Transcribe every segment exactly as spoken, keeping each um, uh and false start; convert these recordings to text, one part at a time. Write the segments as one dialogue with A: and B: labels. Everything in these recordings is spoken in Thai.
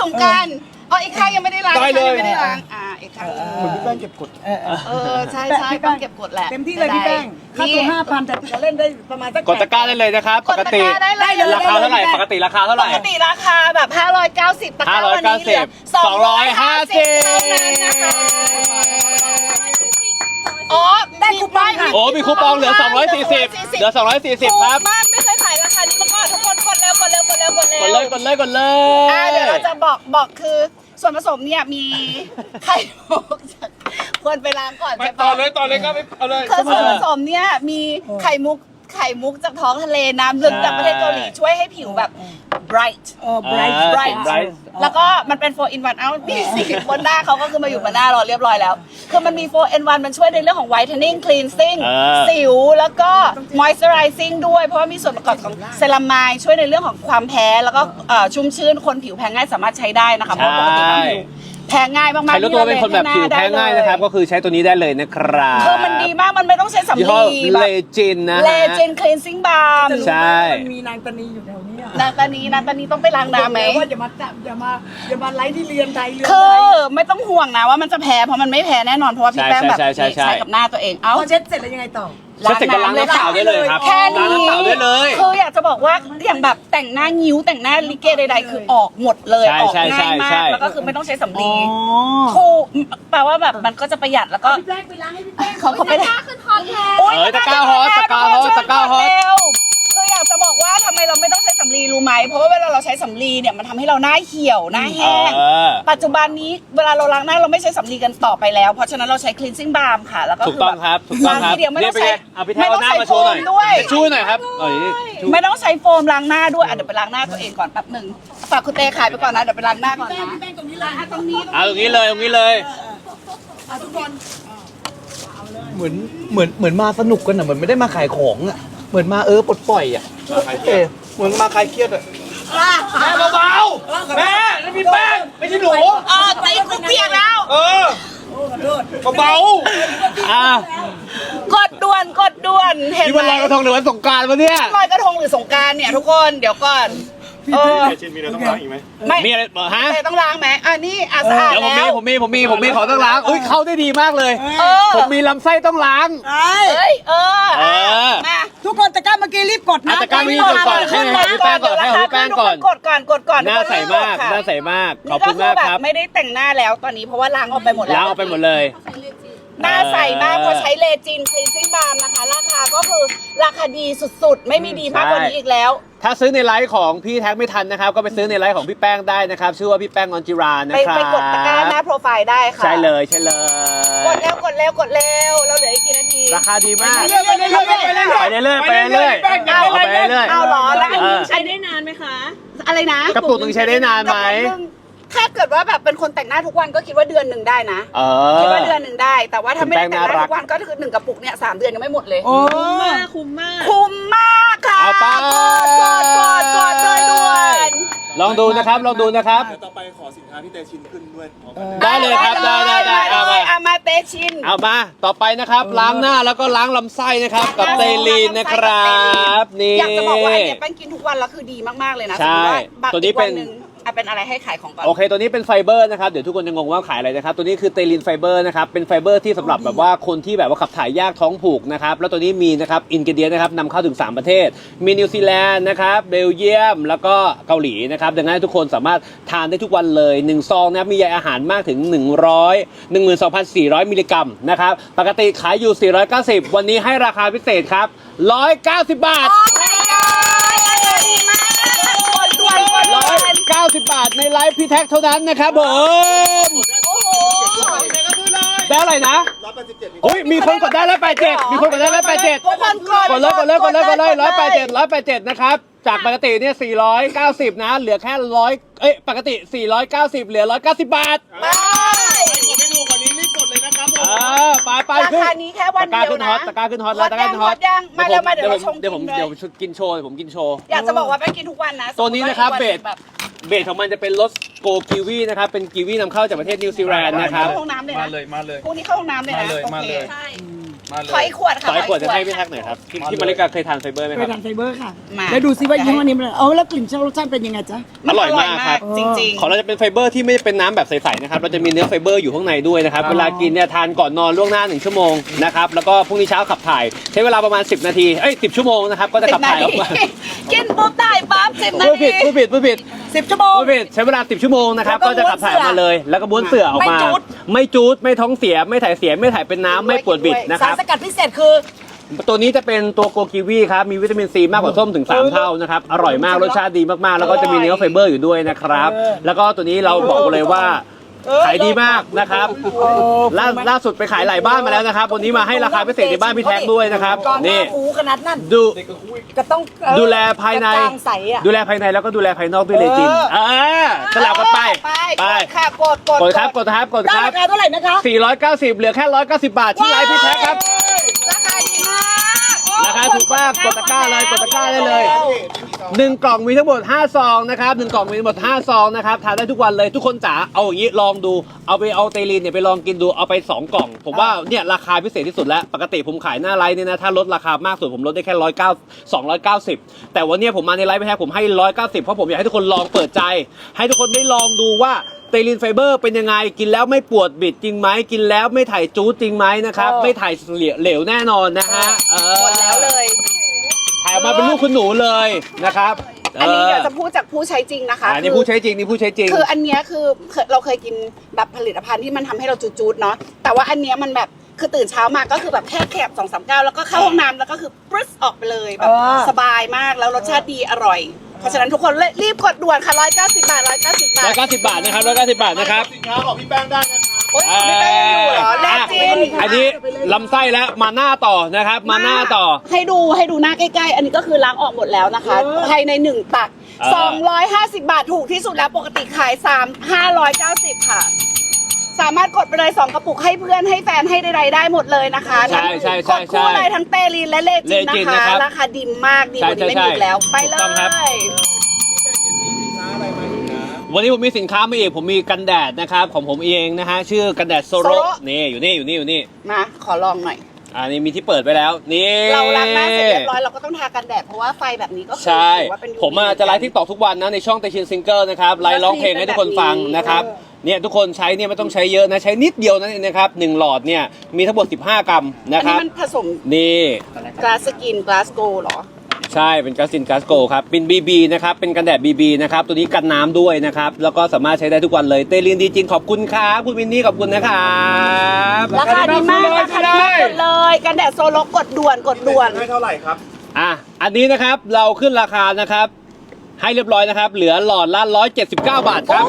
A: งกันอ๋ออีกข้างยังไม่ได้ล้าง
B: ได้เลย
A: ไม่ได้ล้างอ่าอีกข้าง
B: เหมือนพี่แป้งเก็บกด
C: เออเออ
A: เออใช่ใช่ต้องเก็บกดแหละ
C: เต็มที่เลยพี่แป้งค่าตัวห้าพันแต่จะเล่นได้ประมาณสัก
B: กดตะกร้าได้เลยนะครับ
A: ก
B: ป
A: ด
B: ก
A: ตะ
B: ติ
A: กร้าได้เลย
B: ราคาเท่าไหร่ปกติราคาเท่าไห
A: ป
B: ร่
A: กติราคาแบบห้าร้อยเก้าสิบตะกร้าวันนี้เหลือสองร้อยห้าสิบเท่านั้นนะคะอ๋อได้คูปองค่ะ
B: โอ้มีคูปองเหลือสองร้อยสี่สิบเหลือสองร้อยสี่สิบครับ
A: ถูกมากไม่เคยขายราคานี้มาก่อนทุกคนกดเร็วกดเร็วกดเร็วกดเร็ว
B: กดเลยกดเลยกดเลย
A: อ่าเดี๋ยวเราจะบอกบอกคือส่วนผสมเนี่ยมีไข่มุกควรไปล้างก่อน
B: ไป
A: ใช่
B: ต่อ
A: ปะ
B: เลยต่อเลยครับเอาเลย
A: คือส่วนผสมเนี่ยมีไข่มุกไข่มุกจากท้องทะเลน้ำลึกจากประเทศเกาหลีช่วยให้ผิวแบบ bright
C: เออ bright
B: อ่า
A: bright
B: เป็น bright
A: แล้วก็มันเป็น โฟร์ อิน วัน เอ้านี่สิบนหน้าเขาก็คือมาอยู่บนหน้าเราเรียบร้อยแล้ว คือมันมี โฟร์ อิน วัน มันช่วยในเรื่องของ whitening cleansing
B: อ่า
A: สิวแล้วก็ moisturizing ด้วยเพราะว่ามีส่วนประกอบของเซรามายช่วยในเรื่องของความแพ้แล้วก็เอ่อชุ่มชื้นคนผิวแพ้ง่ายสามารถใช้ได้นะคะเพราะปกติแล้วผิวแพ้ง่ายมากๆ
B: ใครรู้ตัวเป็นคนแบบผิวแพ้ง่ายนะครับ ก็คือใช้ตัวนี้ได้เลยนะครับ
A: คือมันดีมากมันไม่ต้องใช้สำ
B: ยี่ห้อ
A: ลี
B: เลจินนะฮะ
A: เลจิน cleansing balm
B: ใช่
C: มันมีนางตานีอยู่แถวนี้อะ
A: นางตานีนางตานีต้องไปล้างน้ำไหม
C: ว่าอย่ามาจับอย่ามาอย่ามาไล่ที่เรียนไทยเรียน
A: คื
C: ไท
A: อย ไม่ต้องห่วงนะว่ามันจะแพ้เพราะมันไม่แพ้แน่นอนเพราะว่าพี่แป้งแบบ
B: ใช่ใช่ใช่ใช่
A: ใช้กับหน้าตัวเอง เอ้า
C: พอเช็ดเสร็จแล้วยังไงต่อ
B: เช็ดเสร็จก็ล้างน้ำเปล่าได้เลยครับ
A: แค่
B: ล้าง
A: นี้
B: น้ำเปล่าได้เลย
A: คืออยากจะบอกว่าอย่างแบบแต่งหน้างิ้วแต่งหน้าลิเกใดๆคือออกหมดเลย
B: ใช่
A: ออก
B: ใช่
A: ง่ายมา
B: ใช่
A: กแล้วก็คือไม่ต้องใช้สำ
C: อ๋
A: ลี
C: อ
A: ถูกแปลว่าแบบมันก็จะประหยัดแล้วก็
D: พี่แป้งไปล้างให้พี่แป้ง
A: เขาเขาไป
D: ตะกร้าขึ้นฮอตแล้ว
A: โอ๊ย
B: เออตะกร้าฮอตตะกร้าฮอตตะกร้าฮอต
A: เร็วคืออยากจะบอกว่าทำไมเราไม่ต้องใช้สำลีรู้ไหมเพราะว่าเวลาเราใช้สำลีเนี่ยมันทำให้เราหน้าเหี่ยวหน้าแห้ง
B: เออ
A: ปัจจุบันนี้เวลาเราล้างหน้าเราไม่ใช้สำลีกันต่อไปแล้ว เพราะฉะนั้นเราใช้ cleansing balm ค่ะแล้วก็
B: ถูกต้องครับถูกต้องครับ
A: ทีเดียวไม่ต้องใช้
B: นี่เป็นไงเอาพี่แท้เอาหน้ามาโชว์หน่อย
A: ไม่ต้องใช้โฟมด้วย
B: ช่วยหน่อยครับเอ้ย
A: ไม่ต้องใช้โฟมล้างหน้าด้วยอ่ะเดี๋ยวไปล้างหน้าตัวเองก่อนแป๊บหนึ่งฝากคุณเต้ขายไปก่อนนะเดี๋ยวไปล้างหน้าก่อนนะ
C: แป้งตรงนี้เลย
A: อ่ะตรงนี้
B: เอาตรงนี้เลยตรงนี้เลย
C: อ่ะทุกคน
E: เหมือนเหมือนเหมือนมาสนุกกันอ่ะเหมือนไม่ได้มาขายของอ่ะเหมือนมาเออปลดปล่อยอ่ะเออเหมือนมาคลายเครียดอ่ะ
B: แม่เบาๆแม่นั่นพี่แป้งไม่ใช่หนู
A: เออตีกูเปียกแล้ว
B: เออเบา อ่ะ
A: กดด่วนกดด่วนเห็น
B: นี่
A: ไห
B: วัน
A: ม
B: ลอยกระทงหรือวันสงกรานต์วะเนี่ย
A: ลอยกระทงหรือสงกรารเนี่ยทุกคนเดี๋ยวก่อนเออ
F: ชินมีอะไรต้องล้างอีกไหม
A: ไม่
B: มีอะไรบอกฮะ
A: เต้ต้องล้างไหมอ่ะนี่อ่ะสะอาด
B: เดี๋ยวผมมี
A: แล้ว
B: ผมมีผมมีผมมีของต้องล้างเอ้ยเข้าได้ดีมากเลย
A: เออ
B: ผมมีลำไส้ต้องล้าง
C: ไอ้
A: เอ้ยเออ
B: เออ
A: มา
C: ทุกคนตะกร้าเมื่อกี้รีบกดนะ
B: อ่ะตะกร้าเมื่อกี้กดก่อน ให้ให้พี่แป้งก่อนให้พี่แป้งก่อน
A: กดก่อนกดก่อน
B: หน้าใสมากหน้าใสมากขอบคุณมากครับ
A: นี่ก็อแไม่ได้แต่งหน้าแล้วตอนนี้เพราะว่าล้างออกไปหมดแล้ว
B: ล้างออกไปหมดเลย
A: หน้าใสมากเพราะใช้เลจินคลีนซิ่งบาล์มนะคะ ราคาก็คือราคาดีสุดๆ ไม่มีดีมากกว่านี้อีกแล้ว
B: ถ้าซื้อในไลฟ์ของพี่แท็กไม่ทันนะครับ ก็ไปซื้อในไลฟ์ของพี่แป้งได้นะครับ ชื่อว่าพี่แป้งออนจิรานะ
A: ไป
B: ครับ
A: ไปกดตะกร้าหน้าโปรไฟล์ได้ค่ะ
B: ใช่เลยใช่เลย
A: กดเร็วกดเร็วกดเร็วเราเหลืออีกกี่นาที
B: ราคาดีมาก
A: ไปเรื่อยไปเรื่อยไปเรื่อย
B: ไปเรื่อยๆไปเรื่อยๆ
A: เอา
B: เอาไปเรื่อยๆ
A: เอาเหรอแล้วอันนี้
B: เออ
A: ใช้ได้นานไหมคะ อะไรนะ
B: กระปุกหนึ่งใช้ได้นานไหม
A: ถ้าเกิดว่าแบบเป็นคนแต่งหน้าทุกวันก็คิดว่าเดือนหนึ่งได้นะ
B: เอ
A: คิด
B: อ
A: ว่าเดือนหนึ่งได้ แต่ว่าถ้าไม่ได้แต่งห
B: คุณแป้งน่ารั
A: น้าก ทุกวันก็คือหนึ่งกระปุกเนี่ยสามเดือนยังไม่หมดเลย
C: โอ้
A: คุ้มมากคุ้มมากค่ะ
B: เอาไป
A: กดกดกดกดเลยด่วน
B: ลองดูนะครับลองดูนะครับ
F: เดี๋ยวต่อไปขอสินค้าพี่เตชินขึ้นด้วยพร้อมกัน
B: ได้เลยครับได้ได้ได้เอา
A: เล
B: มา
A: ยเอามาเตชิน
B: เอามาต่อไปนะครับ ล้างหน้าแล้วก็ล้างลำไส้นะครับ กับเตลีนนะครับนี่
A: อยากจะบอกว่าอันเนี้ยแป้งกินทุกวันแล้วคือดีมากๆเลยนะ
B: ใช่
A: สมมุติว่า
B: ตัวนี้เป็น
A: อีกวัหงอ่ะเป็นอะไรให้ขายของก่อน
B: โอเค ตัวนี้เป็นไฟเบอร์นะครับ เดี๋ยวทุกคนจะงงว่าขายอะไรนะครับ ตัวนี้คือเตลินไฟเบอร์นะครับ เป็นไฟเบอร์ที่สำหรับแบบว่าคนที่แบบว่าขับถ่ายยากท้องผูกนะครับ แล้วตัวนี้มีนะครับอินกิเดียนะครับนำเข้าถึงสามประเทศ มีนิวซีแลนด์นะครับ เบลเยียม แล้วก็เกาหลีนะครับ ดังนั้นทุกคนสามารถทานได้ทุกวันเลยหนึ่งซองนะครับ มีใยอาหารมากถึงหนึ่งร้อย หนึ่งหมื่นสองพันสี่ร้อย มิลลิกรัมนะครับ ปกติขายอยู่สี่ร้อยเก้าสิบวันนี้ให้ราคาพิเศษครับหนึ่งร้อยเก้าสิบบาท
A: โอ้ my god ดีมากกดด่วนกดด่
B: ร้อ
A: วย น
B: เก้าสิบบาทในไลฟ์พี่แท็กเท่านั้นนะครับผม
A: โอ้โห
B: ได้อะไรนะ
F: ร้อยแปดสิบเจ็ด
B: อุ้ยมีคนกดได้ร้อยแปดเจ็ดมีคนกดได้ร้อยแปดเจ็ด
A: ทุกคนกด
B: กดเลยกดเลยกดเลยกดเลยร้อยแปดเจ็ดร้อยแปดเจ็ดนะครับจากปกติเนี่ยสี่ร้อยเก้าสิบนะเหลือแค่ร้อยเอ้ยปกติสี่ร้อยเก้าสิบเหลือร้อยเก้าสิบบาท
A: ไป
F: กดไม่ถูกกว่านี้รีบกดเลยนะครับผม
B: อ่าไปไป
A: รา
B: ขึ้น
A: คานี้แค่วัน
B: ตะกร้า
A: เดียว
B: ขึ้นฮ
A: นะ
B: อตตะกร้าขึ้นฮอตแล้วตะกร้าขึ้นฮอต
A: ฮอตยังมาเร็วมาเดี๋ยวเราชม
B: เดี๋ยวผม
A: กินเลย
B: เดี๋ยวผมกินโชว์เดี๋ยวผมกินโชว์
A: อยากจะบอกว่าแป้งกินทุกวันนะ
B: ตัวนี้นะครับ
A: สมมุติว่าอีก
B: เบส
A: วันแบบ
B: เบสของมันจะเป็นรสโกกิวีนะครับเป็นกิวีนำเข้าจากประเทศนิวซีแลนด์นะครับ
A: เข้าห้องน้ำเลย
F: มา
A: นะ
F: เลยมาเลย
A: พวกนี้เข้าห้องน้ำเลยนะ
F: มาเลย
A: โอ
F: มา
A: เค
F: เลย
A: ใช่ขออีกขวดค่ะ
B: ขออีกขวดจะให้พี่แท็กหน่อยครับพี่พี่มาริกาเคยทานไฟเบอร์ไหม
C: เค
B: ครั
C: ย
B: บ
C: ทานไฟเบอร์ค่ะ
A: มา
C: แล้วดูซิว่ายี่ห้อนี้มันเอาแล้วกลิ่นรสชาติเป็นยังไงจ๊ะ
B: อร่อยมากครับ
A: จริง
B: ของเราจะเป็นไฟเบอร์ที่ไม่ได้เป็นน้ำแบบใสๆนะครับ เราจะมีเนื้อไฟเบอร์อยู่ข้างในด้วยนะครับ เวลากินเนี่ยทานก่อนนอนล่วงหน้าหนึ่งชั่วโมงนะครับ แล้วก็พรุ่งนี้เช้าขับถ่าย ใช้เวลาประมาณสิบนาที เอ้ยสิบชั่วโมงนะครับ ก็จะ
A: สิ
B: ขั
A: บบ นา
B: ถ่ายอ
A: ที
B: อกมา
A: กินปุ๊บได้ปั๊บสิบนา
B: ผู้
A: ที
B: ผิดผู้ผิดผู้ผิด
C: สิบชั่วโมง
B: ผู้ผิดใช้เวลาสิบชั่วโมงนะครับ
C: แล้วก็
B: ก็จะขับถ่ายออกมาเลย แล้วก็บ้วนเสื่อออกมา
C: ไม่จู๊ด
B: ไม่จูด ไม่ท้องเสีย ไม่ถ่ายเสีย ไม่ถ่ายเป็นน้ำไม่ปวดบิดนะค
C: สาร
B: รับ
C: สกัดพิเศษคือ
B: ตัวนี้จะเป็นตัวโกกิวีครับ มีวิตามินซีมากกว่าส้มถึงสามเท่านะครับ อร่อยมาก รสชาติดีมากๆ แล้วก็จะมีเนื้อไฟเบอร์อยู่ด้วยนะครับ แล้วก็ตัวนี้เราบอกเลยว่าขายดีมากนะครับ ล่าล่าสุดไปขายหลายบ้านมาแล้วนะครับ วันนี้มาให้ราคาพิเศษในบ้านพี่แท็กด้วยนะครับ
C: ก่อนห
B: นี่
C: น้าหูขนาดนั้น
B: ดู
C: ก็ต้องเออ
B: ดูแลภายใน
C: กระจ่างใสอ่ะ
B: ดูแลภายในแล้วก็ดูแลภายนอกด้วยเลยจิน
C: เออ
B: เออสลับกันไป
A: ไป
B: ไป
A: กดค่ะกดกด
B: กดครับ กดครับ กด
C: ได้
B: ครั
C: รา
B: บ
C: คาเท่าไหร่นะคะ
B: สี่ร้อยเก้าสิบเหลือแค่หนึ่งร้อยเก้าสิบบาทที่ไลฟ์พี่แท็กครับ
A: ราคาดีมาก
B: ราคาถูกมากกดตะกร้าเลยกดตะกร้าได้เลยหนึ่งกล่องมีทั้งหมดห้าซองนะครับหนึ่งกล่องมีทั้งหมดห้าซองนะครับทานได้ทุกวันเลยทุกคนจ๋าเอาอย่างนี้ลองดูเอาไปเอาเตลีนเนี่ยไปลองกินดูเอาไปสองกล่อง ผมว่าเนี่ยราคาพิเศษที่สุดแล้วปกติผมขายหน้าไลฟ์เนี่ยนะถ้าลดราคามากสุดผมลดได้แค่ร้อยเก้าสองร้อยเก้าสิบแต่วันนี้ผมมาในไลฟ์ไม่แท้ผมให้ร้อยเก้าสิบเพราะผมอยากให้ทุกคนลองเปิดใจ ให้ทุกคนได้ลองดูว่าเตลินไฟเบอร์เป็นยังไงกินแล้วไม่ปวดบิดจริงไหมกินแล้วไม่ถ่ายจู๊ดจริงไหมนะครับ
C: เออ
B: ไม่ถ่ายเหลวแน่นอนนะฮะเออ
A: หมดแล้วเลย
B: ถ่ายออกมาเป็นลูกคุณหนูเลยนะครับ
A: อันนี้เดี๋ยวจะพูดจากผู้ใช้จริงนะคะ
B: อันนี้ผู้ใช้จริงนี่ผู้ใช้จริง
A: คืออันเนี้ยคือเราเคยกินแบบผลิตภัณฑ์ที่มันทำให้เราจูดๆเนาะแต่ว่าอันเนี้ยมันแบบคือตื่นเช้ามาก็คือแบบแค่แคบสองสามก้าวแล้วก็เข้าห้องน้ำแล้วก็คือปรึ๊สออกไปเลยแบบ
C: เออ
A: สบายมากแล้วรสชาติดีอร่อย เพราะฉะนั้นทุกคนรีบกดด่วนค่ะร้อยเก้าสิบบาทร้อยเก้าสิบบาท
B: ร้อยเก้าสิบบาทนะครับร้อยเก้าสิบบาทนะครับ
F: สินค้าของพี่แป้งได้นะครับ
A: โอ๊ยไม่ได้อยู่เหรอแน่จริง
B: อันนี้ลำไส้แล้วมาหน้าต่อนะครับ มาหน้าต่อ
A: ให้ดูให้ดูหน้าใกล้ๆ อันนี้ก็คือล้างออกหมดแล้วนะคะภายในหนึ่งตัก
B: เออ
A: สองร้อยห้าสิบบาทถูกที่สุดแล้วปกติขายสาม ห้าร้อยเก้าสิบค่ะ สามารถกดไปเลยสองกระปุกให้เพื่อนให้แฟนให้ใดๆได้หมดเลยนะคะ
B: ใช่ใช่
A: ก
B: ใช่
A: ดคู่
B: ใช่
A: เลยทั้งเตลีนและเลจิน
B: เลจิน
A: นะ
B: นะครั
A: คะ
B: บ
A: ราคาดีมากดีกว่านี้ไม่
B: ใช่
A: มี
B: ใช่
A: อีกแล้วไปเล
B: ถูกต้องครับ
A: ย
B: วันนี้ผมมีสินค้ามาอีกผมมีกันแดดนะครับของผมเองนะฮะชื่อกันแดดโซโร
A: โซโร
B: นี่อยู่นี่อยู่นี่อยู่นี่
A: มาขอลองหน่อย
B: อ่านี่มีที่เปิดไปแล้วนี่
A: เราล้างหน้าเสร็จเรียบร้อยเราก็ต้องทากันแดดเพราะว่าไฟแบบนี้ก็คือ
B: ใช่
A: ถือว่าเป็น
B: ผมอ่ะจะไลฟ์ทิกตอกทุกวันนะในช่องเตชินซิงเกิลนะครับไลฟ์ร้องเพลงให้ทุกคนฟังนะครับเนี่ยทุกคนใช้เนี่ยไม่ต้องใช้เยอะนะใช้นิดเดียวนั่นเองนะครับหนึ่งหลอดเนี่ยมีทั้งหมดสิบห้ากรัม
A: อัน
B: นะค
A: นี้
B: รับ
A: มันผสม
B: นี่
A: กลาสกินกลาสโกหรอ
B: ใช่เป็นกาซินกาสโกครับเป็น บี บี นะครับเป็นกันแดด บี บี นะครับตัวนี้กันน้ำด้วยนะครับแล้วก็สามารถใช้ได้ทุกวันเลยเตลินดีจริงขอบคุณครับคุณวินนี่ขอบคุณนะครับ
A: ราคาดีมากราคาดีมากกดเลยกันแดดโซโลกดด่วนกดด่วน
F: ให้เท่าไหร่ครับ
B: อ่ะอันนี้นะครับเราขึ้นราคานะครับให้เรียบร้อยนะครับเหลือหลอดละหนึ่งร้อยเจ็ดสิบเก้าบาทครับ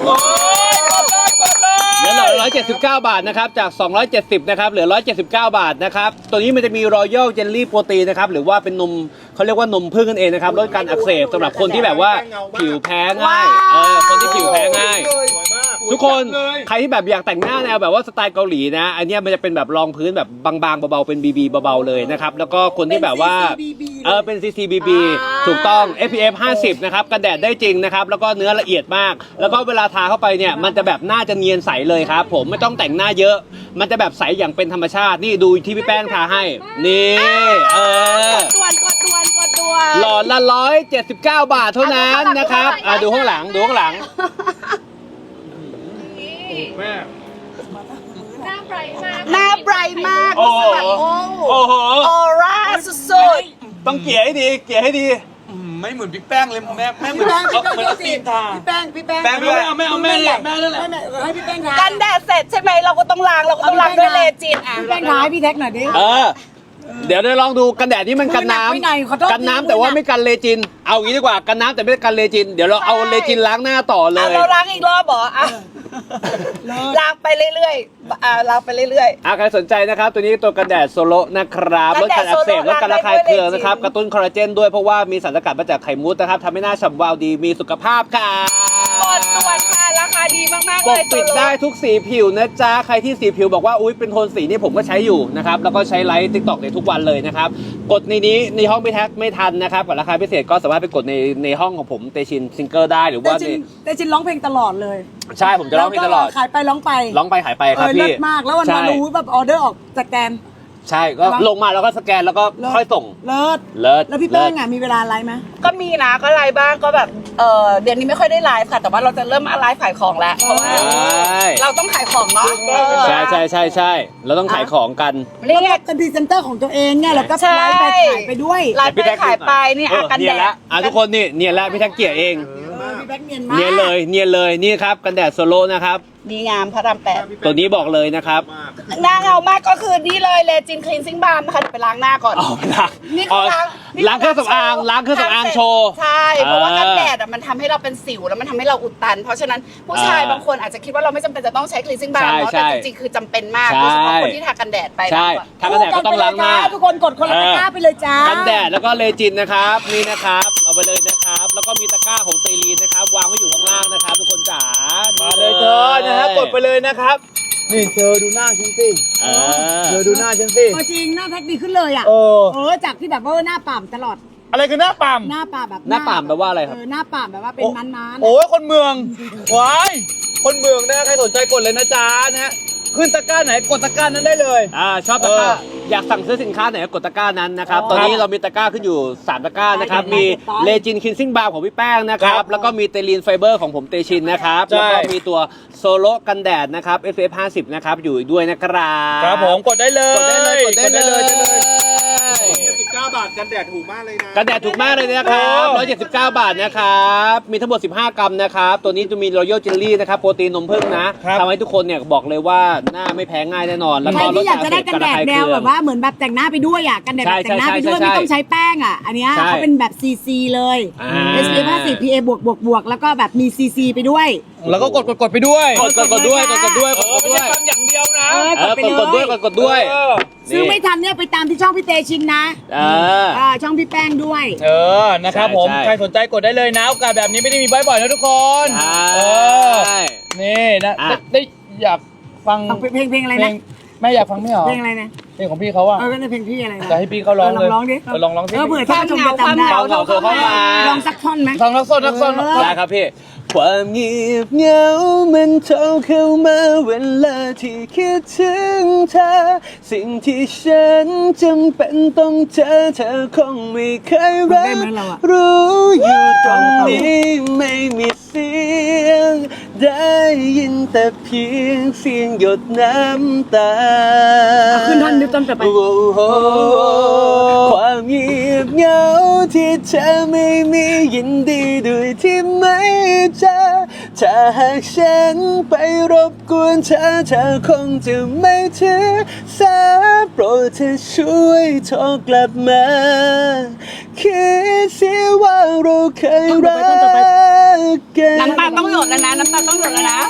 B: เหลือหลอดละหนึ่งร้อยเจ็ดสิบเก้าบาทนะครับจากสองร้อยเจ็ดสิบนะครับเหลือหนึ่งร้อยเจ็ดสิบเก้าบาทนะครับตัวนี้มันจะมีรอยัลเจลลี่โปรตีนนะครับหรือว่าเป็นนมเขาเรียกว่านมผึ้งนั่นเองนะครับลดการอักเสบสำหรับคนที่แบบว่าผิวแพ้ง่ายเออคนที่ผิวแพ้ง่าย
F: สวยมาก
B: ทุกคนใครที่แบบอยากแต่งหน้าแนวแบบว่าสไตล์เกาหลีนะ อันเนี้ยมันจะเป็นแบบรองพื้นแบบบางๆเบาๆเป็น บี บี เบาๆเลยนะครับแล้วก็คนที่แบบว่าเออเป็น ซี ซี บี บี ถูกต้อง เอฟ พี เอฟ ห้าสิบนะครับกันแดดได้จริงนะครับแล้วก็เนื้อละเอียดมาก แล้วก็เวลาทาเข้าไปเนี่ยมันจะแบบหน้าจะเนียนใสเลยครับผมไม่ต้องแต่งหน้าเยอะ มันจะแบบใสอย่างเป็นธรรมชาตินี่ดูที่พี่แป้งทาให้นี่เออ
A: ด่วนกดด่วนกดด่วน
B: หลอดละหนึ่งร้อยเจ็ดสิบเก้าบาทเท่านั้นนะครับอ่ะดูข้างหลังดูข้างหลัง
F: แม่
D: หน้าไบรท์มาก
A: หน้าไบรท์มาก
B: โอ้โห
A: แบบโอ้
B: โอ้โห
A: ออร่าสุด
B: ต้องเกลี่ยให้ดีเกลี่ยให้ดี
E: อืมไม่เหมือนพี่แป้งเลยแม่แม่เหมือน
C: พี่แป้ง
E: เอาเหมือนเอาตีนทา
C: พี่แป้งพี่แป้ง
E: แป้งด้วยเอาแม่เอาแม่เนี่ยแม่นั่นแหละ
C: ไม่ไม่ให้พี่แป้งทา
A: ๆกันแดดเสร็จใช่ไหมเราก็ต้องล้างเราก็ต้องล้างด้วยเลจินอ่ะ
C: พี่แป้งทาให้พี่แท็กหน่อยดิ
B: เออ เดี๋ยวได้ลองดูกันแดดนี่มันกันน้
C: มือหนักไปหน่อยขอโทษ
B: ำกันน้ำแต่ว่าไม่กันเลจิน เอางี้ดีกว่ากันน้ำแต่ไม่ได้กันเลจิน เดี๋ยวเราเอาเลจินล้างหน้าต่อเล
A: อ่ะ
B: ย
A: เราล้างอีกรอบเหรออ่ะล้างไปเรื่อยๆอ่ะล้างไปเรื่อย
B: อ่ะใครสนใจนะครับ ตัวนี้ตัวกันแดดโซโลนะครับล
A: กั
B: ด
A: นแดด
B: การอักเสบ
A: โซโล
B: ลดการระคาย
A: ล้างได้ด้วย
B: เคืองนะครับ
A: เลจิน
B: กระตุ้นคอลลาเจนด้วยเพราะว่ามีสารสกัดมาจากไข่มุกนะครับทำให้หน้าฉ่ำวาวดีมีสุขภาพค่ะ
A: ๆกดด่วนค่ะราคาดีมากๆ
B: ป
A: เล
B: ก
A: ย
B: ปิดได้ทุกสีผิวนะจ๊ะ ใครที่สีผิวบอกว่า อุ๊ย เป็นโทนสีนี่ผมก็ใช้อยู่นะครับ แล้วก็ใช้ไลฟ์ติ๊กต็อกในทุกวันเลยนะครับ กดในนี้ในห้องพี่แท็กไม่ทันนะครับกับราคาพิเศษก็สามารถไปกดในในห้องของผมเตชินซิงเกิลได้หรือ
C: แต่
B: ว่า
C: จิ
B: ใน
C: นแต่จินร้องเพลงตลอดเลย
B: ใช่ผมจะร้องเพลงตลอด
C: แวก็ขายไปร้องไป
B: ร้องไปขายไป
C: เอ
B: ครับ
C: อเลิ
B: พี่
C: ศมากแล้ววัน
B: ใช่
C: มารู้แบบออเดอร์ออกจากแกน
B: ใช่ก็ลงมาแล้วก็สแกนแล้วก็ค่อยส่ง
C: เลิศ
B: เลิศ
C: แล้วพี่แป้งอ่ะมีเวลาไลฟ์ไหม
A: ก็มีนะก็ไลฟ์บ้างก็แบบเออเดือนนี้ไม่ค่อยได้ไลฟ์ค่ะแต่ว่าเราจะเริ่มมาไลฟ์ขายของแล้วเพราะว่า
B: ใช่
A: เราต้องขายของเนาะเออ
B: ใช่ใช่ใช่ใช่เราต้องขายของกัน
A: เรียก
C: เป็นพรีเซนเตอร์ของตัวเองเนี่ยแล้วก็
A: ใช่
C: ไลฟ์ไปขายไปด้วย
A: ไลฟ์ไปขายไปนี่
B: เอ
A: อา
B: อ
A: กัน
B: เนี
A: แด
B: ยน
A: ด
B: ละอ่ะทุกคนนี่เนียนละพี่แท็กเกียร์เอง
C: เออพี่แป้งเนียนมาก
B: เนียนเลยเนียนเลยนี่ครับกันแดดโซโล่นะครับ
A: ดีงามพระรามแปด
B: ตัวนี้บอกเลยนะครับ
A: หน้าเงามากก็คือนี่เลยเลจินคลีนซิ่งบาร์นะคะเดี๋ยวไปล้างหน้าก่อน
B: เอาไปล้าง
A: นี่คือล้างนี่
B: ล้างเครื่องสำอางล้างเครื่องสำอางโชว์
A: ใช่เพราะว่า
B: เออ
A: กันแดดอ่ะมันทำให้เราเป็นสิวแล้วมันทำให้เราอุดตัน เพราะฉะนั้นผู้ชาย
B: เออบ
A: างคนอาจจะคิดว่าเราไม่จำเป็นจะต้องใช้คลีนซิ่งบาร์
B: ใช่
A: เนาะ
B: ใช่
A: แต่จริงๆคือจำเป็นมาก
B: ใช่
A: โดยเฉพาะคนที่ทากันแดดไป
B: ใช่
A: มากกว่า
B: ทากันแดดก็ต้องล้างหน้า
C: ทุกคนกดคนละตะกร้าไปเลยจ้า
B: กันแดดแล้วก็เลจินนะครับนี่นะครับเอาไปเลยนะครับ แล้วก็มีตะกร้าของเตลีนนะครับ วางไว้อยู่ข้างล่างนะครับ ทุกคนจ๋า
E: มาเลยเธอนะฮะกดไปเลยนะครับ นี่เธอดูหน้าฉันสิ
B: เออ
E: เธอดูหน้าฉันสิ
C: เอาจริงหน้าแพ็คดีขึ้นเลยอ่ะ
E: เออ
C: เออจากที่แบบว่าหน้าป่ามตลอด
E: อะไรคือหน้าปั๊ม
C: หน้าป่ามแบบ
B: หน้าป่ามแปลว่าอะไรครับ
C: เออหน้าป่ามแบบว่าเป็นมันๆ
E: โอ้ยคนเมืองว้ายคนเมืองนะใครสนใจกดเลยนะจ๊ะนะฮะขึ้นตะกร้าไหนกดตะกร้านั้นได้เลย
B: อ่าชอบตะกร้า
E: เออ
B: อยากสั่งซื้อสินค้าไหนก็กดตะกร้านั้นนะครับ
C: อ๋อ
B: ตอนนี้เรามีตะกร้าขึ้นอยู่สามตะกร้านะครับ
C: ได้
B: มี
C: ได้
B: เลจินคินซิ่งบาร์ของพี่แป้งนะค
E: ค
B: รั
E: รับ บ
B: แล้วก็มีเตลีนไฟเบอร์ของผมเตชินนะครับ
E: ใช่
B: แล้วก็มีตัวโซโลกันแดดนะครับ เอฟ เอฟ ห้าสิบ นะครับอยู่อีกด้วยนะครับ
E: ครับผมกดได้เลย
B: กดได้เลยกดได้เลย
E: กดได้เลย
F: เจ็ดสิบเก้าบาทกันแดดถูกมากเลยนะ
B: กันแดดถูกมากเลยนะครับหนึ่งร้อยเจ็ดสิบเก้า บาทนะครับ มีทั้งหมดสิบห้ากรัมนะครับ ตัวนี้จะมีรอยัลเจลลี่นะครับ โปรตีนนมผึ้งนะครับ ทำให้ทุกคนเนี่ยบอกเลยว่าหน้าไม่แพ้ง่ายแน่นอน แล้ว
C: ใคร
B: ก็ล
C: ที่
B: ด
C: อยากจะได้กันแดดแนว
B: ระคายเคือง
C: แบบว่าเหมือนแบบแต่งหน้าไปด้วยอ่ะกันแดดแบบแต่งหน้าไปด้วย
B: ใช่ใช่
C: ไม่ต้องใช้แป้งอ่ะ อันเนี้ย
B: ใช่
C: เขาเป็นแบบซีซีเลย
B: อ่า
C: เอส พี เอฟ ห้าสิบ พี เอ บวกบวกบวกแล้วก็แบบมีซีซีไปด้วย
E: แล้วก็กดกดกดไปด้วย
B: กดกดกดด้วยกดกดด้วยก
E: เอ
B: ด
E: อก
B: ด
E: ไม่
B: ด้ว
E: ใช่
B: ย
E: ฟังอย่างเดียวนะ
C: เออ
B: เออกดกดด้วยกดกดด้วย
E: เออ
C: ซื้อไม่ทันเนี่ยไปตามที่ช่องพี่เตชินนะ
B: เออ
C: อ่าช่องพี่แป้งด้วย
E: เออ นะครับผม
B: ใช่
E: ใครสนใจกดได้เลยนะโอกาสแบบนี้ไม่ได้มีบ่อยๆนะทุกคน
B: ใช่
E: เออ นี่นะ
B: อ่ะ
E: ได้ได้อยากฟัง
C: ฟังเพลงเพลงอะไร
E: เพล
C: นะ
E: งแม่อยากฟังไม่เหรอ
C: เพลงอะไรนะ
E: เพลงของพี่เขาอะ
C: เออก็ในเพลงพี่อะไรนะ
E: จะให้พี่เขาร้องเลย
C: เออลองร้องดิ
E: เออลองร้องสิ
C: เออเผื่อท่านผู้ชมจะจำได้
B: ความเหงาโทรเข้ามา
C: ลองสักท่อนไหม
E: ฟังนักโซนนักโซน
C: เออ
B: ได้ครับพี่ ความเงียบเหงามันโทรเข้ามาเวลาที่คิดถึงเธอ สิ่งที่ฉันจำเป็นต้องเจอเธอคงไม่เคยรั
C: ได้
B: บ
C: ไหมเราอะ
B: รู้อยู่ตรงนี้ไม่มีเสียง ได้ยินแต่เพียงเสียงหยดน้ำตา
C: เอาขึ้นท่อนดิต้นต่อไป
B: โอ้โหความเงียบเหงาที่เธอไม่มียินดีด้วยที่ไม่เจอถ้าหากฉันไปรบกวนเธอเธอคงจะไม่ถือสาโปรดเธอช่วยโทรกลับมาคิดเสียว่าเราเคยรักกัน
A: น้ำตาต้องหยดแล้วนะน้ำตาต้องหยดแล้วนะ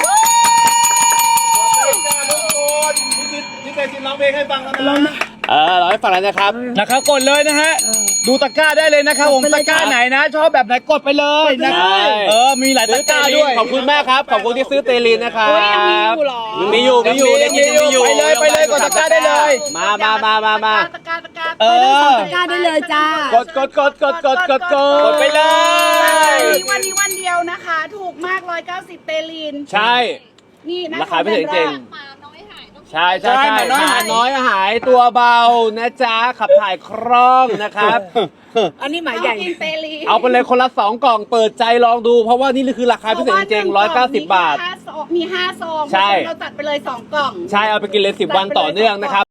F: พี่เคยจินร้องเพลงให้ฟังแล้วนะ
B: เออเราให้ฟังแล้วนะครับ
E: นะครับกดเลยนะฮะ ดูตะกร้าได้เลยนะครับผม
C: กดไปเล
E: ตะ
C: ย
E: กร้าไหนนะ ชอบแบบไหนกดไปเลยนะ
B: ใช่
E: เออ มีหลายตะกร้าด้วย
B: ขอบคุณมากครับ ขอบคุณที่ซื้อเตลินนะครับ
A: โอ้ยยังมีอยู่เหรอ
B: มีอยู่ มีอยู่
E: ยังมีอยู่
B: ง
E: ไปเลยไปเลยกดตะกร้าได้เลย
B: มามามามามา
A: ตะกร้าตะกร้า
E: เออ
C: ตะกร้าได้เลยจ้า
B: กดกดกดกดกดกดก
E: กดไปเลย
A: มีวันนี้วันเดียวนะคะ ถูกมากร้อยเก้าสิบเตลีน
B: ใช่
A: นี่นะ
B: ราคาไม่ถึงจริง
D: หมาน้อยหายต้อง
B: ใช่ใช่
E: ใช่
B: ใช่
E: หมาน้อย
B: หมา
E: หาย
B: น้อยหายตัวเบานะจ๊ะ ขับถ่ายคล่องนะครับ
C: อันนี้หมาย
A: เอา
C: ใหญ่
A: กินเตลีน
B: เอาไปเลยคนละสองกล่องเปิดใจลองดู เพราะว่านี่คือราคาพิเศษจริงๆร้อยเก้าสิบบาท
A: มีห้าซองมีห้าซอง
B: ใช่
A: เราจัดไปเลยสองกล่อง
B: ใช่ เอาไปกินเลยสิบวันต่อเนื่องนะครับ